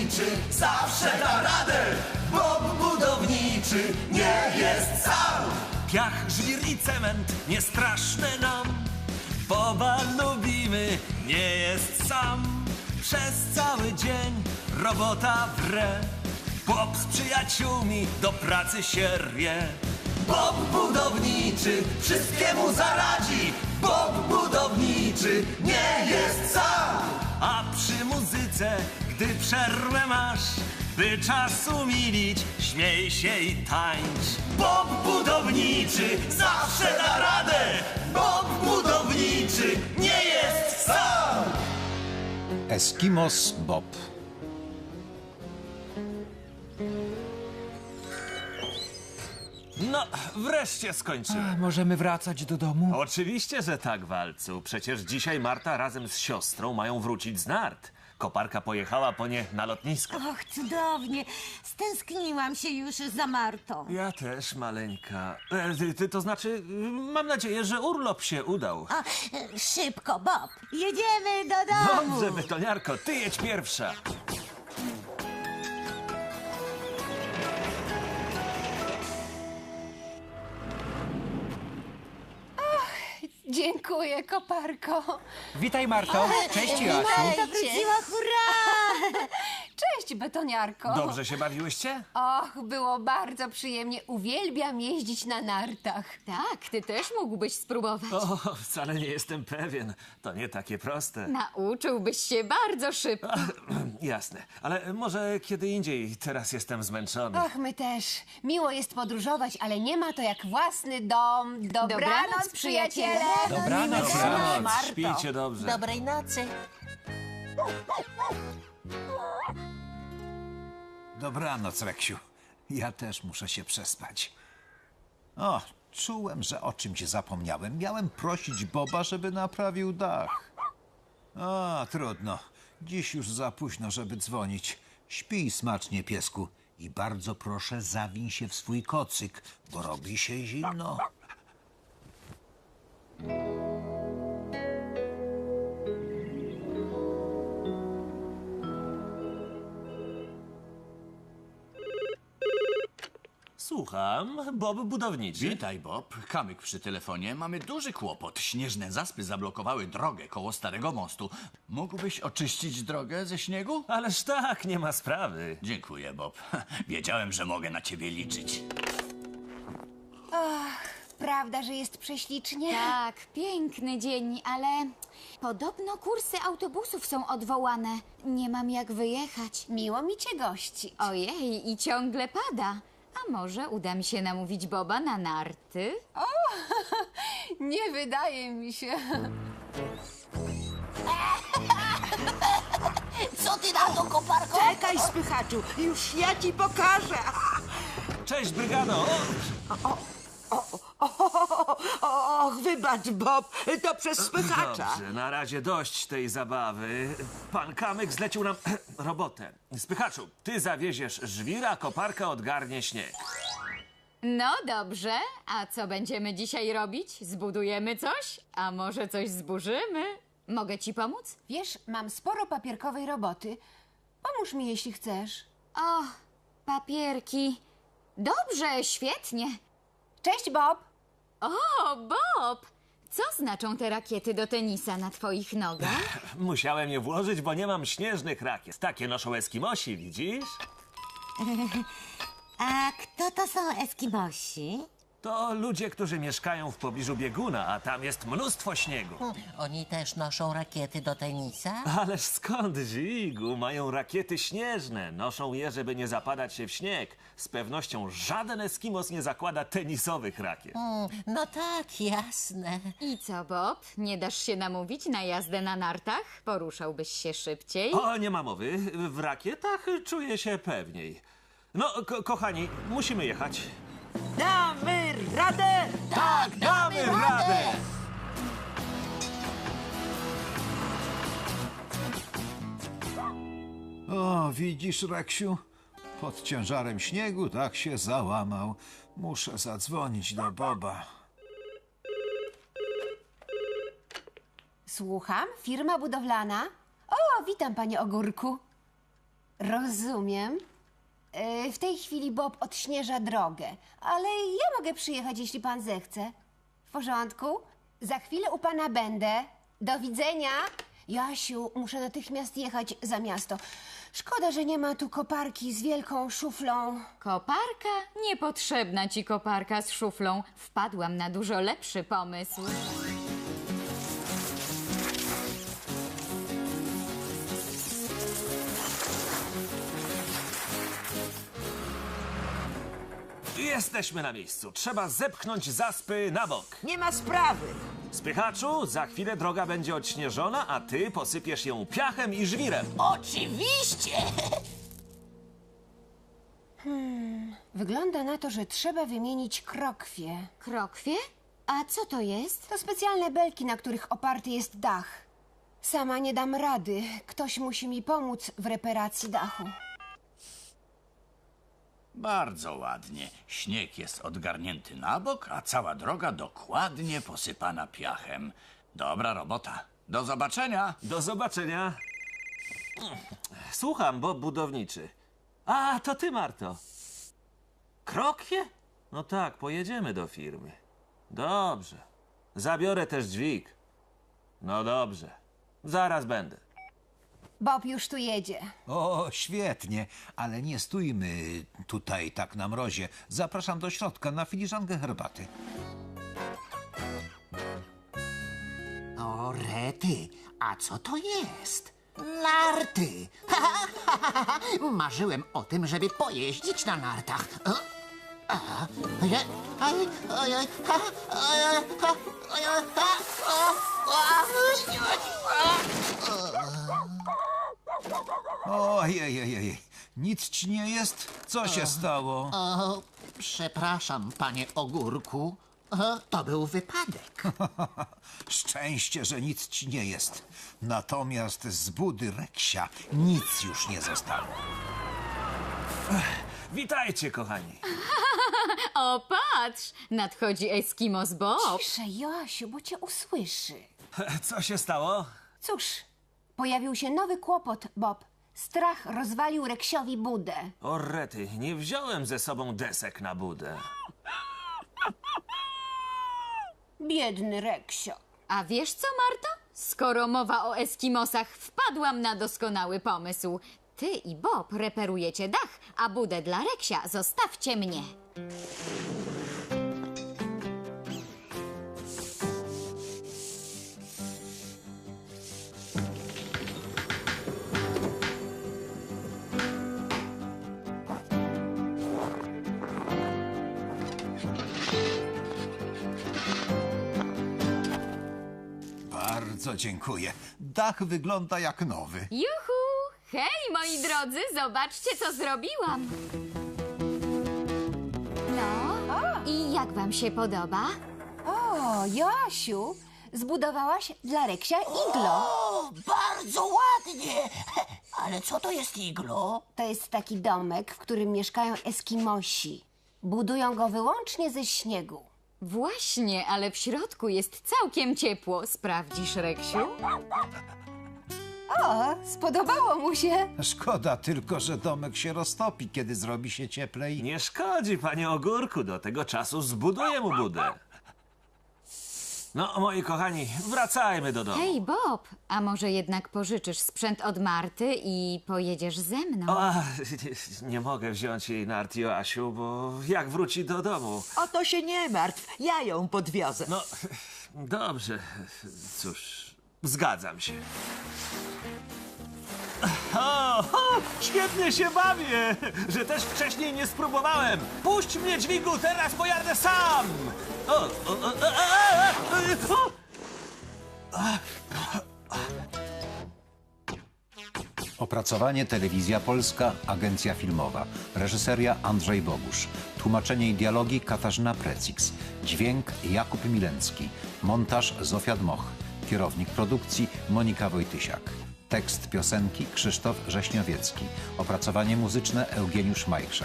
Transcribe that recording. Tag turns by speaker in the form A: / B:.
A: budowniczy zawsze da radę. Bob budowniczy nie jest sam.
B: Piach, żwir i cement nie straszne nam. Boba lubimy, nie jest sam. Przez cały dzień robota wre. Bob z przyjaciółmi do pracy się rwie.
A: Bob budowniczy wszystkiemu zaradzi. Bob budowniczy nie jest sam.
B: A przy muzyce, gdy przerwę masz, by czas umilić, śmiej się i tańcz.
A: Bob budowniczy zawsze da radę. Bob budowniczy nie jest sam.
C: Eskimos Bob.
B: No, wreszcie skończyłem.
D: Możemy wracać do domu?
B: Oczywiście, że tak, Walcu. Przecież dzisiaj Marta razem z siostrą mają wrócić z nart. Koparka pojechała po nie na lotnisko.
E: Och, cudownie. Stęskniłam się już za Martą.
B: Ja też, maleńka. To znaczy, mam nadzieję, że urlop się udał.
E: Szybko, Bob. Jedziemy do domu.
B: Dobrze, betoniarko, ty jedź pierwsza.
F: Dziękuję, koparko.
D: Witaj, Marto. Cześć, Joasiu.
E: Marta wróciła, hurra!
F: Cześć, betoniarko.
B: Dobrze się bawiłyście?
F: Och, było bardzo przyjemnie. Uwielbiam jeździć na nartach.
G: Tak, ty też mógłbyś spróbować.
B: O, wcale nie jestem pewien. To nie takie proste.
G: Nauczyłbyś się bardzo szybko.
B: Jasne, ale może kiedy indziej. Teraz jestem zmęczony.
F: Och, my też. Miło jest podróżować, ale nie ma to jak własny dom. Dobranoc, przyjaciele.
D: Dobranoc.
B: Dobranoc, śpijcie dobrze.
E: Dobrej nocy.
C: Dobranoc, Reksiu. Ja też muszę się przespać. O, czułem, że o czymś zapomniałem. Miałem prosić Boba, żeby naprawił dach. A, trudno. Dziś już za późno, żeby dzwonić. Śpij smacznie, piesku. I bardzo proszę, zawiń się w swój kocyk, bo robi się zimno.
B: Słucham, Bob budowniczy.
H: Witaj, Bob. Kamyk przy telefonie. Mamy duży kłopot. Śnieżne zaspy zablokowały drogę koło Starego Mostu. Mógłbyś oczyścić drogę ze śniegu?
B: Ależ tak, nie ma sprawy.
H: Dziękuję, Bob. Wiedziałem, że mogę na ciebie liczyć.
F: Prawda, że jest prześlicznie?
G: Tak, piękny dzień, ale podobno kursy autobusów są odwołane. Nie mam jak wyjechać.
F: Miło mi cię gościć.
G: Ojej, i ciągle pada. A może uda mi się namówić Boba na narty?
F: Nie wydaje mi się.
E: Co ty na to, koparko?
I: Czekaj, spychaczu, już ja ci pokażę.
B: Cześć, brygado.
I: Och, wybacz, Bob, to przez spychacza.
B: Dobrze, na razie dość tej zabawy. Pan Kamyk zlecił nam robotę. Spychaczu, ty zawieziesz żwira, koparka odgarnie śnieg.
G: No dobrze, a co będziemy dzisiaj robić? Zbudujemy coś? A może coś zburzymy? Mogę ci pomóc?
F: Wiesz, mam sporo papierkowej roboty. Pomóż mi, jeśli chcesz.
G: O, papierki. Dobrze, świetnie.
F: Cześć, Bob.
G: O, Bob! Co znaczą te rakiety do tenisa na twoich nogach?
B: Musiałem je włożyć, bo nie mam śnieżnych rakiet. Takie noszą Eskimosi, widzisz?
E: A kto to są Eskimosi?
B: To ludzie, którzy mieszkają w pobliżu bieguna, a tam jest mnóstwo śniegu.
J: Oni też noszą rakiety do tenisa?
B: Ależ skąd, Zigu? Mają rakiety śnieżne. Noszą je, żeby nie zapadać się w śnieg. Z pewnością żaden Eskimos nie zakłada tenisowych rakiet.
J: No tak, jasne.
G: I co, Bob? Nie dasz się namówić na jazdę na nartach? Poruszałbyś się szybciej?
B: O, nie ma mowy. W rakietach czuję się pewniej. No, kochani, musimy jechać.
I: Damy radę!
B: Tak, damy radę!
C: O, widzisz, Reksiu? Pod ciężarem śniegu tak się załamał. Muszę zadzwonić do Boba.
F: Słucham, firma budowlana. O, witam, panie Ogórku. Rozumiem. W tej chwili Bob odśnieża drogę, ale ja mogę przyjechać, jeśli pan zechce. W porządku? Za chwilę u pana będę. Do widzenia. Jasiu, muszę natychmiast jechać za miasto. Szkoda, że nie ma tu koparki z wielką szuflą.
G: Koparka? Niepotrzebna ci koparka z szuflą. Wpadłam na dużo lepszy pomysł.
B: Jesteśmy na miejscu. Trzeba zepchnąć zaspy na bok.
I: Nie ma sprawy.
B: Spychaczu, za chwilę droga będzie odśnieżona, a ty posypiesz ją piachem i żwirem.
J: Oczywiście!
F: Wygląda na to, że trzeba wymienić krokwie.
G: Krokwie? A co to jest?
F: To specjalne belki, na których oparty jest dach. Sama nie dam rady. Ktoś musi mi pomóc w reparacji dachu.
H: Bardzo ładnie. Śnieg jest odgarnięty na bok, a cała droga dokładnie posypana piachem. Dobra robota. Do zobaczenia.
B: Do zobaczenia. Słucham, Bob budowniczy. A, to ty, Marto. Krokwie? No tak, pojedziemy do firmy. Dobrze. Zabiorę też dźwig. No dobrze. Zaraz będę.
F: Bob już tu jedzie.
C: O, świetnie, ale nie stójmy tutaj tak na mrozie. Zapraszam do środka na filiżankę herbaty.
J: O, rety, a co to jest? Narty! Marzyłem o tym, żeby pojeździć na nartach.
C: Ojej, nic ci nie jest? Co się stało?
J: O, przepraszam, panie ogórku. To był wypadek.
C: Szczęście, że nic ci nie jest. Natomiast z budy Reksia nic już nie zostało.
B: Witajcie, kochani.
G: O, patrz! Nadchodzi Eskimos Bob.
F: Ciszej, Joasiu, bo cię usłyszy.
B: Co się stało?
F: Cóż, pojawił się nowy kłopot, Bob. Strach rozwalił Reksiowi budę.
B: O rety, nie wziąłem ze sobą desek na budę.
F: Biedny Reksio.
G: A wiesz co, Marto? Skoro mowa o Eskimosach, wpadłam na doskonały pomysł. Ty i Bob reperujecie dach, a budę dla Reksia zostawcie mnie.
C: Bardzo dziękuję. Dach wygląda jak nowy.
G: Juhu! Hej, moi drodzy, zobaczcie, co zrobiłam. No, i jak wam się podoba?
F: O, Joasiu, zbudowałaś dla Reksia iglo.
J: O, bardzo ładnie! Ale co to jest iglo?
F: To jest taki domek, w którym mieszkają Eskimosi. Budują go wyłącznie ze śniegu.
G: Właśnie, ale w środku jest całkiem ciepło. Sprawdzisz, Reksiu?
F: O, spodobało mu się.
C: Szkoda tylko, że domek się roztopi, kiedy zrobi się cieplej.
B: Nie szkodzi, panie ogórku, do tego czasu zbuduję mu budę. No, moi kochani, wracajmy do domu.
G: Hej, Bob, a może jednak pożyczysz sprzęt od Marty i pojedziesz ze mną?
B: Nie mogę wziąć jej nart, Joasiu, bo jak wróci do domu?
I: O to się nie martw. Ja ją podwiozę.
B: No, dobrze, cóż, zgadzam się. O, świetnie się bawię, że też wcześniej nie spróbowałem. Puść mnie, dźwigu, teraz pojadę sam.
C: Opracowanie Telewizja Polska, Agencja Filmowa. Reżyseria Andrzej Bogusz. Tłumaczenie i dialogi Katarzyna Precix. Dźwięk Jakub Milencki. Montaż Zofia Dmoch. Kierownik produkcji Monika Wojtysiak. Tekst piosenki Krzysztof Rześniowiecki. Opracowanie muzyczne Eugeniusz Majchrza.